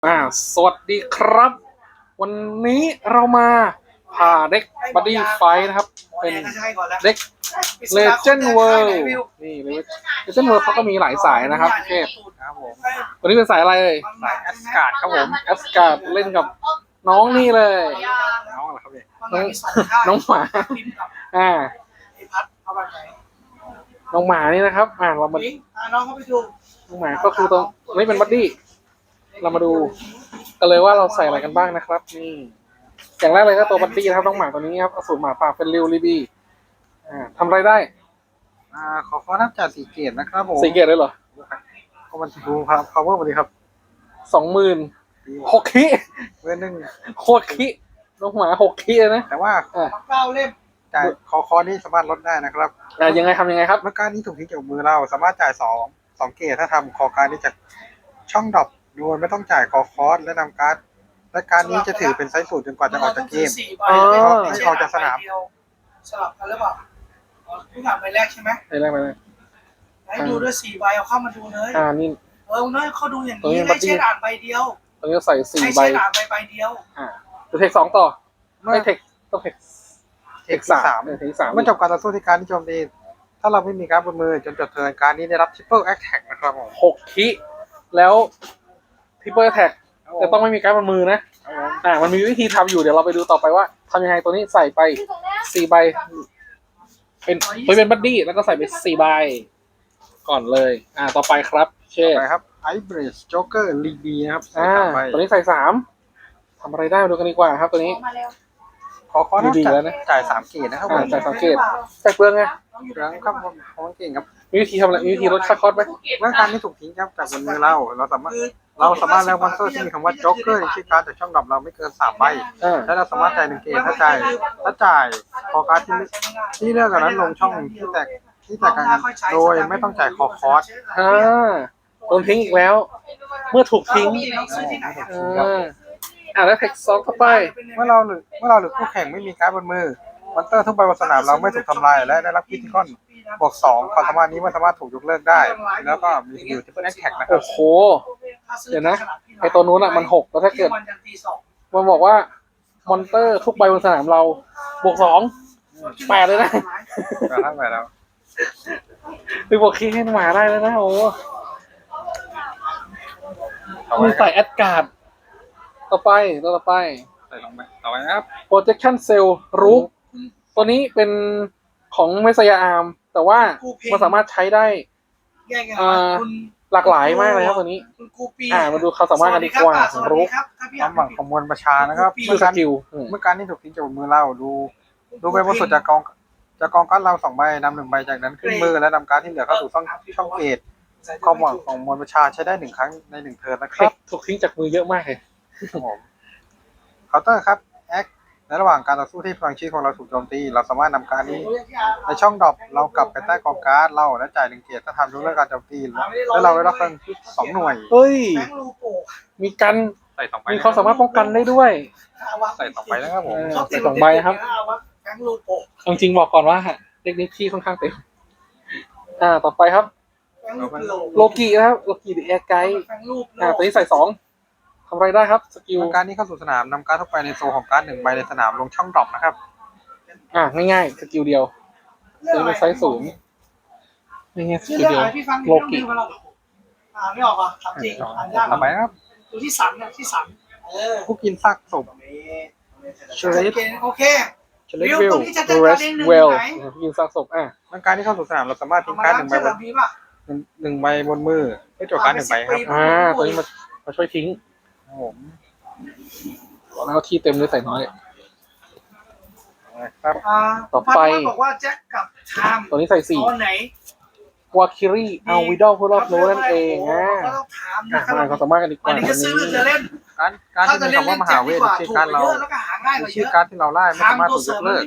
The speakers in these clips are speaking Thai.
สวัสดีครับ วันนี้เรามาผ่าเด็กบัดดี้ไฟนะครับ เป็นเด็ก Legend World นี่ Legend World เขาก็มีหลายสายนะครับเทพครับผมวันนี้เป็นสายอะไรเลยสายแอสการ์ดครับผมแอสการ์ดเล่นกับน้องนี่เลยน้องอะไรครับเนี่ยน้องหมาน้องหมานี่นะครับเรามาน้องเขาไปดูน้องหมาก็คือตรงนี้เป็นบัดดี้เรามาดูกันเลยว่าเราใส่อะไรกันบ้างนะครับนี่อย่างแรกเลยก็ตัวบัดดี้นะครับน้องหมาตัวนี้ครับอสูรหมาป่าเป็นริวรีบีทำอะไรได้ขอนับจาก4 เกตนะครับผม 4 เกตเลยเหรอก็มันดูครับ power พอดีครับ 26,000คิเว้นหนึ่ง 6คิน้องหมา6คิเลยนะแต่ว่า 9 เล่มจ่ายคอนี้สามารถลดได้นะครับยังไงทำยังไงครับเมื่อการนี้ถูกทิ้งจากมือเราสามารถจ่าย2 เกตถ้าทำคอการนี้จากช่องดรอปโดยไม่ต้องจ่ายคอสและนำการ์ดและการนี้จะถือเป็นไซส์สูตรจนกว่าจะออกจากเกมที่ออกจากสนามสลับกันหรือเปล่าเพิ่งอ่านใบแรกใช่ไหมใบแรกให้ดูด้วย4 ใบเอาเข้ามาดูเลยนี่น้อยเขาดูอย่างนี้ให้เช็ดอ่านใบเดียวตรงนี้ใส่4 ใบให้เช็ดอ่านใบเดียวจะเทค2ต่อไม่เทคต้องเทค3เทค3 เมื่อจบการต่อสู้ที่การนิยมดีถ้าเราไม่มีการ์ดบนมือจนจบเทิร์นการนี้ได้รับ Triple Attack นะครับผม 6คิแล้วTriple Attack แต่ต้องไม่มีการ์ดบนมือนะมันมีวิธีทำอยู่เดี๋ยวเราไปดูต่อไปว่าทำยังไงตัวนี้ใส่ไป4 ใบเป็นบัดดี้แล้วก็ใส่ไป4 ใบก่อนเลยต่อไปครับเช่ครับไอเบรสจ็อกเกอร์ลีบีนะครับตัวนี้ใส่3ทำอะไรได้ดูกันดีกว่าครับตัวนี้ขอดีแล้วนะจ่าย3 เกตนะครับจ่าย3 เกตใส่เปลืองไงเปลืองครับของเก่งครับมีวิธีทำอะไรมีวิธีลดค่าคอสไหมเมื่อการนี้ถูกทิ้งครับจากบนมือเราสามารถแล้วมอนสเตอร์ที่มีคำว่าจ็อกเกอร์ในชื่อการ์ดจากช่องดับเราไม่เกิน3 ใบและเราสามารถจ่าย1 เกตถ้าจ่ายคอการ์ดที่เลือกกันนั้นลงช่องที่แตกกันโดยไม่ต้องจ่ายคอสโดนทิ้งอีกแล้วเมื่อถูกทิ้งแล้วเทค2ต่อไปเมื่อเราหรือคู่แข่งไม่มีการ์ดบนมือมอนสเตอร์ทุกใบบนสนามเราไม่ถูกทำลายและได้รับพิธีกรบวก2ความสามารถนี้มันสามารถถูกยกเลิกได้แล้วก็มีอยู่ที่เป็นแอคแท็กนะครับโอ้โหเดี๋ยวนะไอตัวนู้นมัน6แล้วถ้าเกิดมันบอกว่ามอนเตอร์ทุกใบบนสนามเราบวก2 8เลยนะทั้งไปแล้วไปบวกคีให้หมาได้แล้วนะโอ้มีใส่แอดการ์ดต่อไปใส่ลงไปต่อไปนะครับ projection cell รูปตัวนี้เป็นของเมสยาอาร์มแต่ว่ามันสามารถใช้ได้หลากหลายมากเลยครับตัวนี้มาดูเขาสามารถกันดีกว่ารู้ความหวังของมวลประชานะครับเมื่อการที่ถูกทิ้งจากมือเราดูใบบนสุดจากกองการ์ดเรา2 ใบนำ1 ใบจากนั้นขึ้นมือและนำการ์ดที่เหลือเข้าสู่ช่องเกตความหวังของมวลประชาใช้ได้1 ครั้งใน1 เทิร์นนะครับถูกทิ้งจากมือเยอะมากเลยเคาน์เตอร์ครับแอคในระหว่างการต่อสู้ที่พลังชีวิตของเราถูกโจมตีเราสามารถนำการนี้ในช่องดรอปเรากลับไปใต้กองการ์ดเราและจ่าย1 เกตถ้าทำยกเลิกการโจมตีแล้วเราได้รับพลังชีวิต2 หน่วยมีกันมีความสามารถป้องกันได้ด้วยใส่2 ใบนะครับผมใส่2 ใบครับจริงๆบอกก่อนว่าเด็กนี้ที่ค่อนข้างเต็มต่อไปครับโลกินะครับโลกิดีแอร์ไกด์ตัวนี้ใส่2ทำอะไรได้ครับสกิลการนี้เข้าสู่สนามนำการ์ดทุกใบในโซของการ์ด1 ใบในสนามลงช่องดรอปนะครับง่ายๆสกิลเดียวตัวนี้ไซส์สูงง่ายๆสกิลเดียวโลกิไม่ออกอ่ะถามจริงต่อไปครับดูที่สันผู้กินซากศพเชลเลโอเควิลเรสเวลยิงซากศพเมื่อการที่เข้าสู่สนามเราสามารถทิ้งการ์ด1 ใบบนมือเพื่อโจทย์การ์ด1 ใบครับตัวนี้มาช่วยทิ้งแล้วก็ที่เต็มเลยใส่น้อยครับต่อไปบอกว่าแจ็คกับไทม์ตัวนี้ใส่4วาคิรีเอาวิดอลผู้รอบรู้นั่นเองมาเขาสามารถกันดีกว่าวันนี้จะซื้อจะเล่นการที่มีคำว่ามหาเวทชื่อการเราชื่อการที่เราไล่ไม่สามารถถูกยกเลิก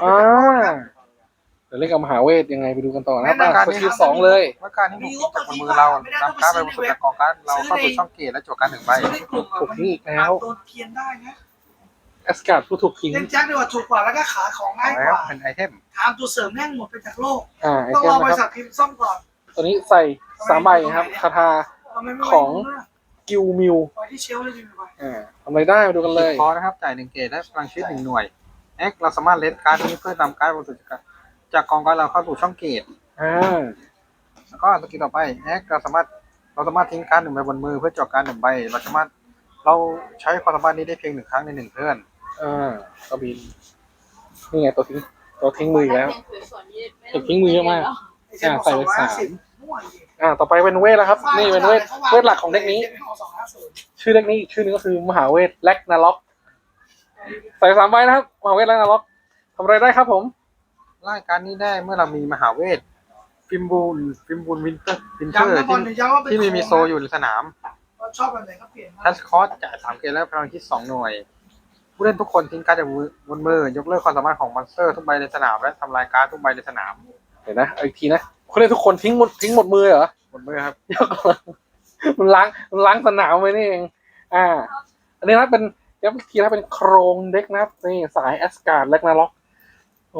เดี๋ยวเล่นกับมหาเวทยังไงไปดูกันต่อนะสกิล2เลยเมื่อการที่ถูกทิ้งจากมือเรานำการ์ดไปบนสุดจากกองการ์ดเราเข้าสู่ช่องเกตและโจทย์การ์ด1 ใบถูกทิ้งอีกแล้วแอสการ์ดผู้ถูกทิ้งเล่นแจ็คดีกว่าถูกกว่าแล้วก็ขายของง่ายกว่าเป็นไอเทมทำตัวเสริมแม่งหมดไปจากโลกต้องรอบริษัทพิมพ์ซ่อมก่อนตัวนี้ใส่3 ใบครับคาถาของกิลมิวไว้ที่เชลฟ์เลยดีไหมทำอะไรได้มาดูกันเลยพอนะครับจ่าย1 เกตได้พลังชีวิต1 หน่วยแอคเราสามารถเลสการ์ดนี้เพื่อนำการ์ดบนสุดจากกองการ์ดเราเข้าสู่ช่องเกต แล้วก็สกิลต่อไปแอคเราสามารถทิ้งการ์ด1 ใบบนมือเพื่อจอกการ์ด1 ใบเราใช้ความสามารถนี้ได้เพียง1 ครั้งใน1 เทิร์นก็บินนี่ไงตัวทิ้งมืออีกแล้วทิ้งมือเยอะมากใส่ไป3ต่อไปเป็นเวทแล้วครับนี่เป็นเวทหลักของเด็กนี้ ชื่อเด็กนี้อีกชื่อนึงก็คือมหาเวทแลกนาล็อกใส่3 ใบนะครับมหาเวทแลกนาล็อกทำอะไรได้ครับผมรายการนี้ได้เมื่อเรามีมหาเวทฟิมบูลวินเตอร์ที่มีโซอยู่ในสนามชอบอะไรก็เปลี่ยนทัชคอร์สจ่าย3 เกตแล้วพลังชีวิต2 หน่วย ผู้เล่นทุกคนทิ้งการ์ดจากบนมือยกเลิกความสามารถของมอนสเตอร์ทุกใบในสนามและทำลายการ์ดทุกใบในสนามเดี๋ยวนะอีกทีนะเขาเรียกทุกคนทิ้งหมดมือเหรอบนมือครับมันล้างสนามไปนี่เองอันนี้นะเป็นย้ำอีกทีนะเป็นโครงเด็กนะครับนี่สายแอสการ์ดแลกนาล็อกโอ้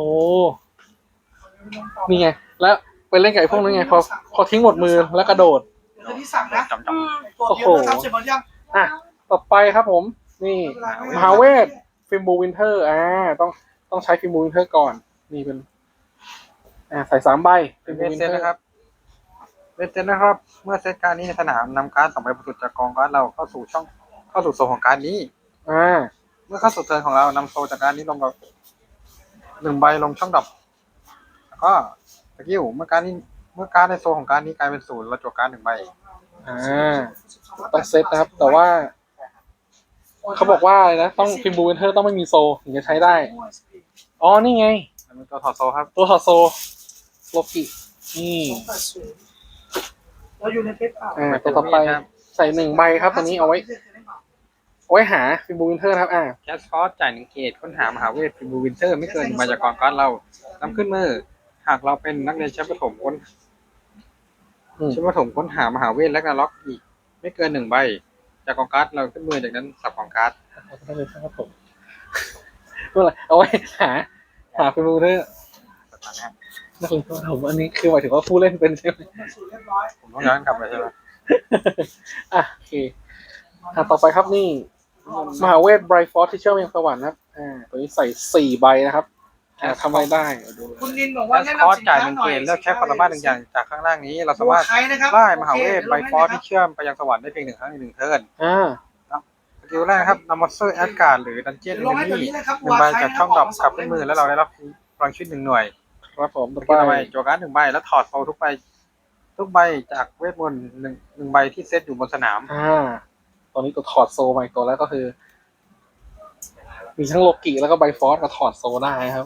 นี่ไงแล้วไปเล่นกับไอ้พวกนั้นไงพอทิ้งหมดมือแล้วกระโดดคือที่สั่งนะจำตัวเดียวนะครับเสร็จหมดยังต่อไปครับผมนี่มหาเวทฟิมบูวินเทอร์ต้องใช้ฟิมบูวินเทอร์ก่อนนี่เป็นใส่3 ใบเป็นเวทเซตนะครับเวทเซตนะครับ เมื่อเซตการ์ดนี้ในสนามนำการ์ด2 ใบบนสุดจากกองการ์ดเราเข้าสู่โซนของการ์ดนี้เมื่อเข้าสู่เทิร์นของเรานำโซจากการ์ดนี้ลงกับ1 ใบลงช่องดรอปแล้วก็สกิลเมื่อการ์ดในโซของการ์ดนี้กลายเป็น0เราจั่วการ์ด1 ใบต้องเซตนะครับแต่ว่าเขาบอกว่านะต้องฟิมบูวินเทอร์ต้องไม่มีโซถึงจะใช้ได้อ๋อนี่ไงตัวถอดโซครับตัวถอดโซโลกินี่เราอยู่ในเพชรเปล่าตัวต่อไปใส่1 ใบครับตัวนี้เอาไว้หาฟิมบูวินเทอร์ครับแคสคอร์สจ่าย1 เกตค้นหามหาเวทฟิมบูวินเตอร์ไม่เกิน1 ใบจากกองการ์ดเรานำขึ้นมือหากเราเป็นนักเรียนชั้นประถมค้นหามหาเวทและนาล็อกอีกไม่เกิน1 ใบจากกองการ์ดเราขึ้นมือจากนั้นสับกองการ์ดได้เลยครับผมเมื่อไหร่เอาไว้หาฟิมบูวินเทอร์นักเรียนประถมอันนี้คือหมายถึงว่าผู้เล่นเป็นใช่ไหมผมต้องย้อนกลับไปใช่ไหมโอเคต่อไปครับนี่มหาเวทไบรท์ฟอร์ที่เชื่อมยังสวรรค์นะครับตัวนี้ใส่4 ใบนะครับทำอะไรได้ดูเลยคุณนินบอกแคว่าสคอร์สจ่าย1 เกตเลือกใช้ความสามารถ1 อย่างจากข้างล่างนี้เราสามารถได้มหาเวทไบฟอร์ที่เชื่อมไปยังสวรรค์ได้เพียง1 ครั้งใน1 เทิร์นสกิลแรกครับนำมอนสเตอร์แอดการ์ดหรือดันเจี้ยนมินิ1 ใบจากช่องดรอปกลับขึ้นมือแล้วเราได้รับพลังชีวิต1 หน่วยครับผมต่อต่อไปไปจั่วการ์ด1 ใบแล้วถอดโซทุกใบจากเวทมนต์1 ใบที่เซตอยู่บนสนามตอนนี้ตัวถอดโซมาอีกตัวแล้วก็คือ มีทั้งโลกิแล้วก็ไบฟอร์สมาถอดโซได้ครับ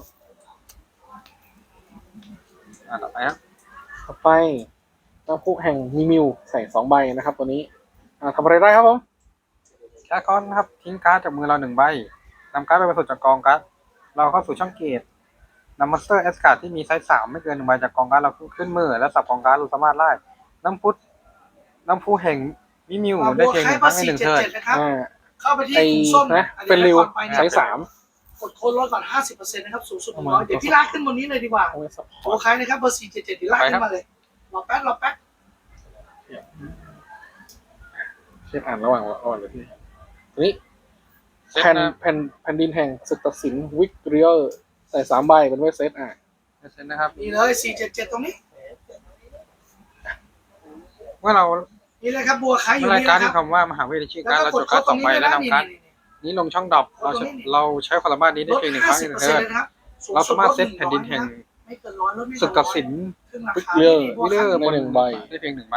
ต่อไปครับต่อไปน้ำพุแห่งมีมิวใส่2 ใบนะครับ ตัวนี้ทำอะไรได้ครับผมแคสคอร์สครับทิ้งการ์ดจากมือเรา1 ใบนำการ์ดไปบรรจุจากกองการ์ดเราเข้าสู่ช่องเกตนำมอนสเตอร์แอสการ์ดที่มีไซส์3ไม่เกิน1 ใบจากกองการ์ดเราขึ้นมือและสับกองการ์ดเราสามารถไล่น้ำพุแห่งมิมิวได้เพียง1 ครั้งใน1 เทิร์นเข้าไปที่ถุงส้มเป็นริวใช้3 กดโค้ดลดก่อน 50% นะครับสูงสุด100เดี๋ยวพี่ลากขึ้นบนนี้เลยดีกว่าเอาไว้ซัพพโอ้อร์ตใครนะครับเบอร์477เดี๋ยวลากขึ้นมาเลยรอแป๊บเช็คอ่านระหว่างเลยพี่ตัวนี้แผ่นดินแห่งศึกตัดสินวิกเรียลใส่3 ใบเป็นเวทเซตเซตนะครับนี่เลย477ตรงนี้เมื่อเรานี่เลยครับบัวใครอยู่รายนี่การนะคที่รับคำว่ามหาเวทชื่อการดเราจั่วการ์ด2 ใบและนำการ์ดนี้ลงช่องดรอปเราใช้ความสามารถนี้ได้เพียง1 ครั้งใน1 เทิร์นเราสามารถเซตแผ่นดินแห่งศึกตัดสินวิกเรียลใน1 ใบได้เพียง1 ใบ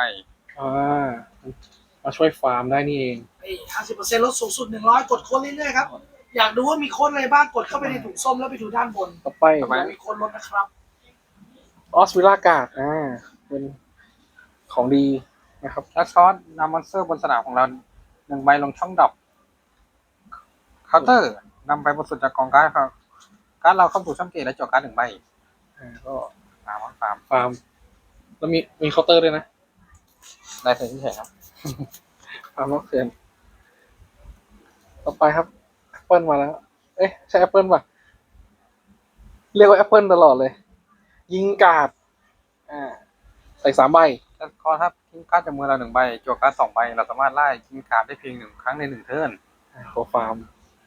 มาช่วยฟาร์มได้นี่เอง 50% ลดสูงสุด100กดโค้ดเรื่อยๆครับอยากดูว่ามีโค้ดอะไรบ้างกดเข้าไปในถุงส้มแล้วไปดูด้านบนต่อไปมีโค้ดลดนะครับออสวิลล่ากาดเป็นของดีนะครับแคสคอร์สนำมอนสเตอร์บนสนามของเรา1 ใบลงช่องดรอปเคาน์เตอร์นำไปบนสุดจากกองการ์ดครับการ์ดเราเข้าสู่ช่องเกตและจั่วการ์ด1 ใบก็ฟาร์มแล้วมีเคาน์เตอร์ด้วยนะได้เสร็จที่เฉยครับฟาร์มล็อกเถื่อนต่อไปครับแอปเปิลมาแล้วใช่แอปเปิลป่ะเรียกว่าแอปเปิลตลอดเลย ยิงกาดใส่3 ใบแล้วก็ถ้าทิ้งการ์ดจากมือเรา1 ใบจั่วการ์ด2 ใบเราสามารถไล่ทิ้งการ์ดได้เพียง1 ครั้งใน1 เทิร์นตัวฟาร์ม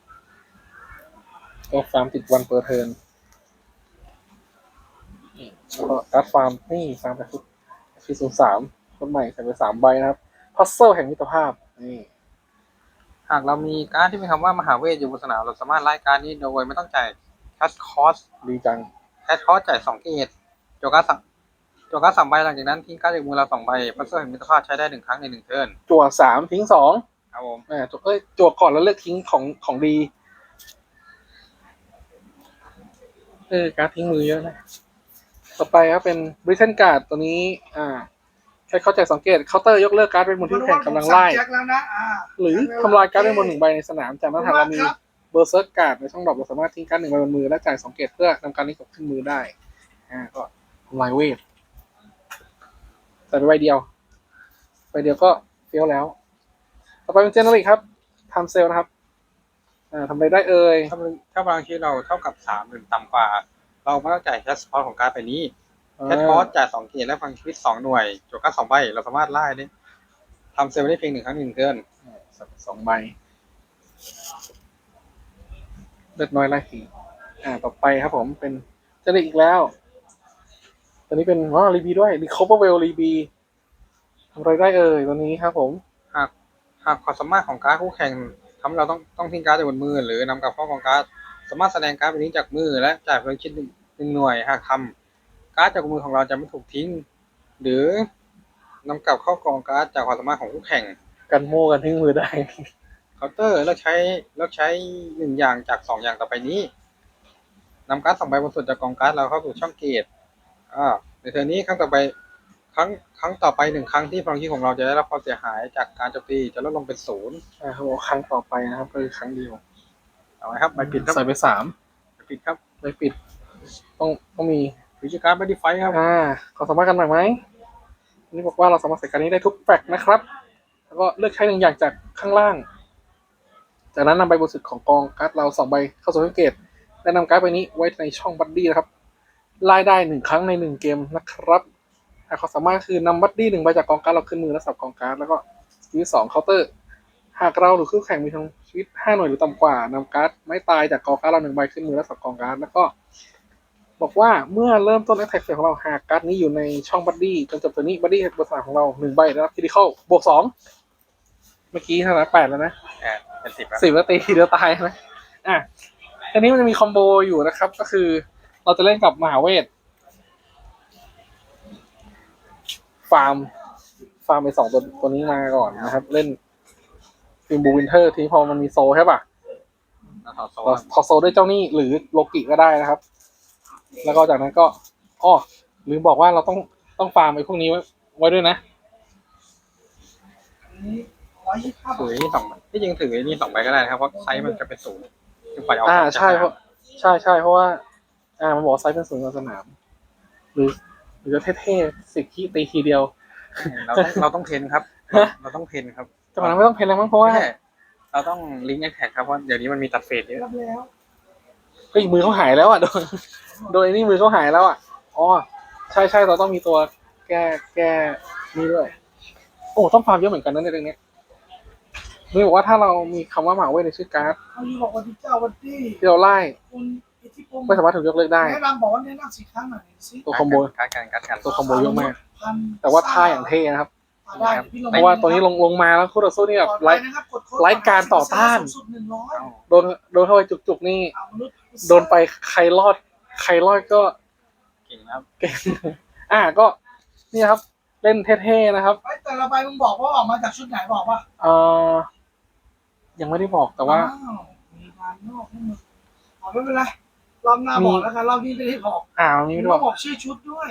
ติดวันเปอร์เทิร์นแล้วก็การ์ดฟาร์มนี่ฟาร์มแบบ03คนใหม่ใส่ไป3 ใบนะครับพัซเซิลแห่งมิตรภาพนี่หากเรามีการ์ดที่มีคำว่ามหาเวทอยู่บนสนามเราสามารถไล่การ์ดนี้โดยไม่ต้องจ่ายแคชคอสดีจังแคชคอสจ่าย2 เกตจั่วการ์ด3 ใบหลังจากนั้นทิ้งการ์ดจากมือเรา2 ใบพัซเซิลแห่งมิตรภาพใช้ได้1 ครั้งใน1 เทิร์นจั่ว3ทิ้ง2 ครับผมจั่วก่อนแล้วเลือกทิ้งของดีการดทิ้งมือเยอะนะต่อไปครับเป็นบริเทนการ์ดตัวนี้แค่เข้าใจสังเกตเคาน์เตอร์ยกเลิกการ์ดเป็นบนที่แข่งกำลังไล่หรือทำลายการ์ดเป็นบน1 ใบในสนามจากนั้นหากเรามีเบอร์เซิร์กการ์ดในช่องดรอปเราสามารถทิ้งการ์ด1 ใบบนมือและจ่าย2 เกตเพื่อนำการนี้กลับขึ้นมือได้ก็ทำลายเวทใส่ไปใบเดียวก็เฟี้ยวแล้วต่อไปเป็นเจเนอริกครับทำเซลนะครับทำอะไรได้ถ้าบางทีเราเท่ากับ3หรือต่ำกว่าเราไม่ต้องจ่ายแคชคอสของการ์ดไปนี้แคชคอสจ่าย2 เกตและฟังชีวิต2 หน่วยจั่วการ์ด2 ใบเราสามารถไล่ได้ทำเซลล์ได้เพียง1 ครั้ง1 เทิร์น 2 ใบเลือดน้อยไล่ผีต่อไปครับผมเป็นเจเนอริกอีกแล้วตัวนี้เป็นรีบีด้วยรีคอเวอร์เวลรีบีทำอะไรได้ตัวนี้ครับผมหากความสามารถของการ์ดคู่แข่งทำให้เราต้องทิ้งการ์ดจากบนมือหรือนำกลับเข้ากองการ์ดสามารถแสดงการ์ดไปนี้จากมือและจ่ายพลังชีวิต1 หน่วยหากทำการ์ดจากมือของเราจะไม่ถูกทิ้งหรือนำกลับเข้ากองการ์ดจากความสามารถของคู่แข่งกันโม่กันทิ้งมือได้เคาน์เตอร์เลือกใช้1 อย่างจาก2 อย่างต่อไปนี้นำการ์ด2 ใบบนสุดจากกองการ์ดเราเข้าสู่ช่องเกตในเทอร์นี้ครั้งต่อไปครั้งต่อไป1 ครั้งที่พลังชีวิตของเราจะได้รับความเสียหายจากการโจมตีจะลดลงเป็น0 เขาบอกครั้งต่อไปนะครับก็คือครั้งเดียวเอาไว้ครับใบปิดใส่ไป3 ใบปิดครับใบปิดต้องมีวิธีการบัดดี้ไฟครับขอสามารถกันหน่อยไหมนี่บอกว่าเราสามารถใส่การนี้ได้ทุกแฟกนะครับแล้วก็เลือกใช้1 อย่างจากข้างล่างจากนั้นนำใบบนสุดของกองการ์ดเรา2 ใบเข้าสู่ช่องเกตและนำการ์ดใบนี้ไว้ในช่องบัดดี้นะครับไล่ได้1 ครั้งใน1 เกมนะครับความสามารถคือนำบัดดี้1 ใบจากกองการ์ดเราขึ้นมือและสับกองการ์ดแล้วก็สกิล2เคาน์เตอร์หากเราหรือคู่แข่งมีทั้งชีวิต5 หน่วยหรือต่ำกว่านำการ์ดไม่ตายจากกองการ์ดเรา1 ใบขึ้นมือและสับกองการ์ดแล้วก็บอกว่าเมื่อเริ่มต้นแอคแท็กเฟสของเราหากการ์ดนี้อยู่ในช่องบัดดี้จนจบตัวนี้บัดดี้บนสนามของเรา1 ใบได้รับคริติคอลบวก2เมื่อกี้เท่าไหร่8แล้วนะเป็น 10แล้วตีทีเดียวตายนะทีนี้มันจะมีคอมโบอยู่นะครับก็คือเราจะเล่นกับมหาเวทฟาร์มไป2 ตัวนี้มาก่อนนะครับเล่นฟิล์มบูวินเทอร์ทีพอมันมีโซใช่ป่ะถอดโซด้วยเจ้านี่หรือโลกิก็ได้นะครับแล้วก็จากนั้นก็ลืมบอกว่าเราต้องฟาร์มไอ้พวกนี้ไว้ด้วยนะถือนี่2 ใบที่จริงถือนี่2 ใบก็ได้นะครับเพราะไซส์มันจะเป็น0 ใช่เพราะว่ามันบอกไซส์เป็น0ในสนามหรือจะเท่ๆ10 ทีตีทีเดียวเราต้องเพนครับเราต้องเพนครับแต่มันไม่ต้องเพนแล้วมั้งเพราะว่าเราต้องลิงก์แอคแท็กครับเพราะเดี๋ยวนี้มันมีตัดเฟสเยอะมือเขาหายแล้วโดยนี่มือเขาหายแล้วใช่เราต้องมีตัวแก้นี่ด้วยต้องฟาร์มเยอะเหมือนกันนะในเรื่องนี้นี่บอกว่าถ้าเรามีคำว่ามหาเวทในชื่อการ์ดที่เราไล่ไม่สามารถถูกยกเลิกได้แนะนำบอกว่าแนะนำ4 ครั้งหน่อยสิตัวคอมโบตัวคอมโบเยอะมากแต่ว่าท่าอย่างเท่นะครับเพราะว่าตัวนี้ลงมาแล้วคู่ต่อสู้นี่แบบไร้การต่อต้านโดนเข้าไปจุกนี่โดนไปใครรอดก็เก่งครับเก่งก็นี่ครับเล่นเท่ๆนะครับแต่ละใบมึงบอกว่าออกมาจากชุดไหนบอกป่ะยังไม่ได้บอกแต่ว่ามีการนอกให้มึงไม่เป็นไรรอบหน้าบอกแล้วกันรอบนี้ไม่ได้บอกมีไม่บอกชื่อชุดด้วย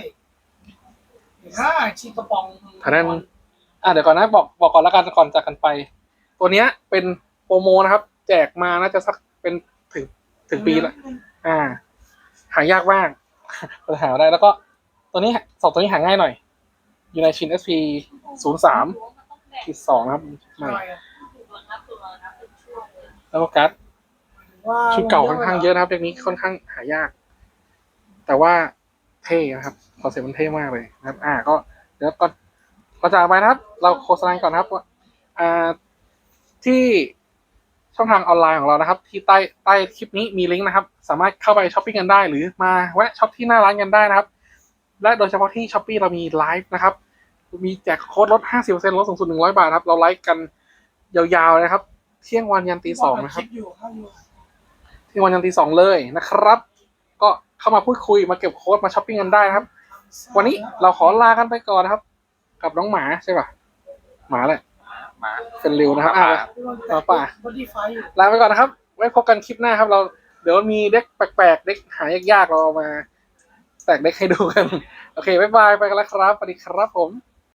ชีกระป๋องท่านั้นเดี๋ยวก่อนนะบอกก่อนแล้วกันก่อนจากกันไปตัวเนี้ยเป็นโปรโมนะครับแจกมาน่าจะสักเป็นถึงปีละหายากมากหาได้แล้วก็ตัวนี้2 ตัวนี้หาง่ายหน่อยอยู่ในชิ้น SP 03-2นะครับใหม่แล้วก็การ์ดชุดเก่าค่อนข้างเยอะนะครับเด็กนี้ค่อนข้างหายากแต่ว่าเท่นะครับคอนเซ็ปต์มันเท่มากเลยนะครับก็เดี๋ยวก่อนจากไปนะครับ เราโฆษณาก่อนนะครับว่าที่ช่องทางออนไลน์ของเรานะครับ ที่ใต้คลิปนี้มีลิงก์นะครับ สามารถเข้าไปช้อปปิ้งกันได้ หรือมาแวะช็อปที่หน้าร้านกันได้นะครับ และโดยเฉพาะที่ Shopee เรามีไลฟ์นะครับ มีแจกโค้ดลด 50% ลดสูงสุด100 บาทครับ เราไลฟ์กันยาวๆนะครับ เที่ยงวันยันตี 2นะครับ เที่ยงวันยันตี 2เลยนะครับ ก็เข้ามาพูดคุยมาเก็บโค้ดมาช้อปปิ้งกันได้นะครับ วันนี้เราขอลากันไปก่อนนะครับ กับน้องหมาใช่ป่ะหมาแหละมาเป็นริวนะครับป่าบอดี้ไฟลาไปก่อนนะครับ ไว้พบกันคลิปหน้าครับ เดี๋ยวมีเด็กแปลกๆเด็กหายากๆเราเอามาแตกเด็กให้ดูกัน โอเคบ๊ายบายไปกันแล้วครับสวัสดีครับผม